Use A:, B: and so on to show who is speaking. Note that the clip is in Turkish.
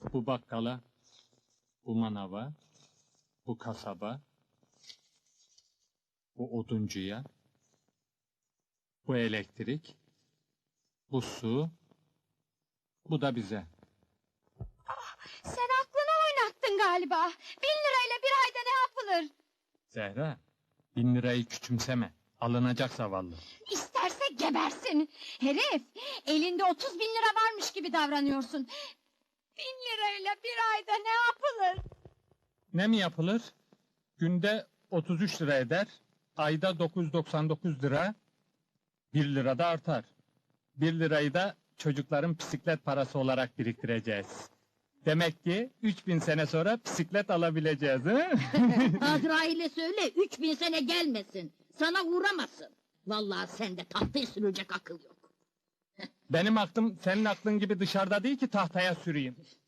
A: Bu bakkala, bu manava, bu kasaba, bu oduncuya, bu elektrik, bu su, bu da bize.
B: Sen aklını oynattın galiba. 1.000 lirayla bir ayda ne yapılır?
A: Zehra, 1.000 lirayı küçümseme. Alınacak zavallı.
B: İsterse gebersin. Herif, elinde 30.000 lira varmış gibi davranıyorsun. 1.000 lirayla bir ayda ne yapılır?
A: Ne mi yapılır? Günde 33 lira eder, ayda 999 lira, 1 lira da artar. 1 lirayı da çocukların bisiklet parası olarak biriktireceğiz. Demek ki 3000 sene sonra bisiklet alabileceğiz, he?
C: Azrail'e söyle 3000 sene gelmesin. Sana uğramasın. Vallahi sende tahtayı sürecek akıl yok.
A: Benim aklım senin aklın gibi dışarıda değil ki tahtaya süreyim.